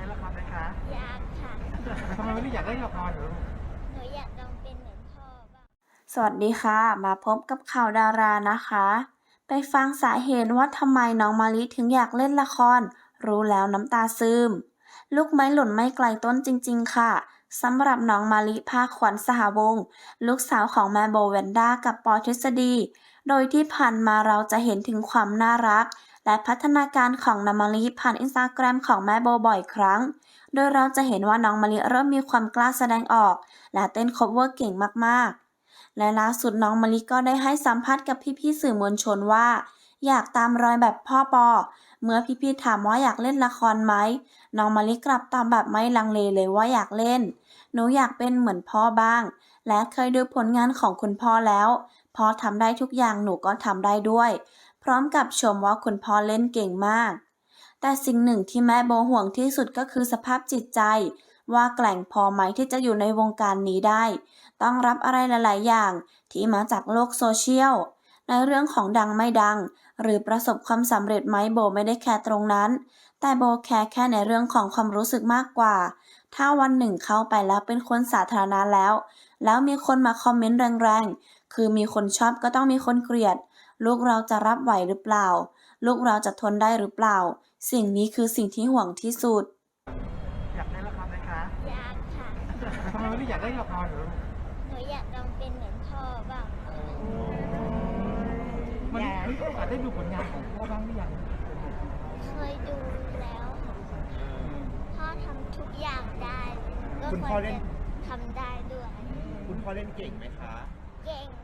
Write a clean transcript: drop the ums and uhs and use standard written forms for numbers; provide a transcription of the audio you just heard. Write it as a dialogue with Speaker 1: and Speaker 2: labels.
Speaker 1: ละครไหมคะ
Speaker 2: อยากค่ะ
Speaker 1: ทำไมไม่ได้อยากเล่นละครเหรอ
Speaker 2: หนูอยากลองเป็นเหมือนพ่อบ้าง
Speaker 3: สวัสดีค่ะ มาพบกับข่าวดารานะคะ ไปฟังสาเหตุว่าทำไมน้องมะลิถึงอยากเล่นละคร รู้แล้วน้ำตาซึม ลูกไม้หล่นไม่ไกลต้นจริงๆค่ะ สำหรับน้องมะลิภาคขวัญสหวงศ์ลูกสาวของแม่โบแวนด้ากับปอทฤษฎี โดยที่ผ่านมาเราจะเห็นถึงความน่ารัก และพัฒนาการของน้องมะลิผ่านอินสตาแกรมของแม่โบบ่อยครั้ง โดยเราจะเห็นว่าน้องมะลิเริ่มมีความกล้าแสดงออก และเต้นคัฟเวอร์เก่งมากๆ และล่าสุดน้องมะลิก็ได้ให้สัมภาษณ์กับพี่ๆสื่อมวลชนว่าอยากตามรอยแบบพ่อปอเมื่อพี่ๆถามว่าอยากเล่นละครไหมน้องมะลิกลับตอบแบบไม่ลังเลเลยว่าอยากเล่นหนูอยากเป็นเหมือนพ่อบ้างและเคยดูผลงานของคุณพ่อแล้วพ่อทำได้ทุกอย่างหนูก็ทำได้ด้วยพร้อมกับชมว่าคุณพ่อเล่นเก่งมากแต่สิ่งหนึ่งที่แม่โบห่วงที่สุดก็คือสภาพจิตใจว่าแกร่งพอไหมที่จะอยู่ในวงการนี้ได้ต้องรับอะไรหลายๆอย่างที่มาจากโลกโซเชียลในเรื่องของดังไม่ดังหรือประสบความสำเร็จไหมโบไม่ได้แคร์ตรงนั้นแต่โบแคร์แค่ในเรื่องของความรู้สึกมากกว่าถ้าวันหนึ่งเข้าไปแล้วเป็นคนสาธารณะแล้วมีคนมาคอมเมนต์แรงๆคือมีคนชอบก็ต้องมีคนเกลียดลูกเราจะรับไหวหรือเปล่าลูกเราจะทนได้หรือเปล่าสิ่งนี้คือสิ่งที่ห่วงที่สุด
Speaker 1: อยากเล่นละครไหมคะ
Speaker 2: อยากค่ะ
Speaker 1: ทำไมไม่ได้อยากเล่นละครเหรอ
Speaker 2: หนูอยากลองเป็นเหมือนพ่อบ้าง
Speaker 1: มันมีโอกาสได้ดูผลงานของพ่อบ้างหรือยัง
Speaker 2: เคยดูแล้วพ่อทำทุกอย่างได้ก็
Speaker 4: คุณพ่อเล่น
Speaker 2: ทำได้ด้วย
Speaker 4: คุณพ่อเล่นเก่งไหมคะ
Speaker 2: เก่ง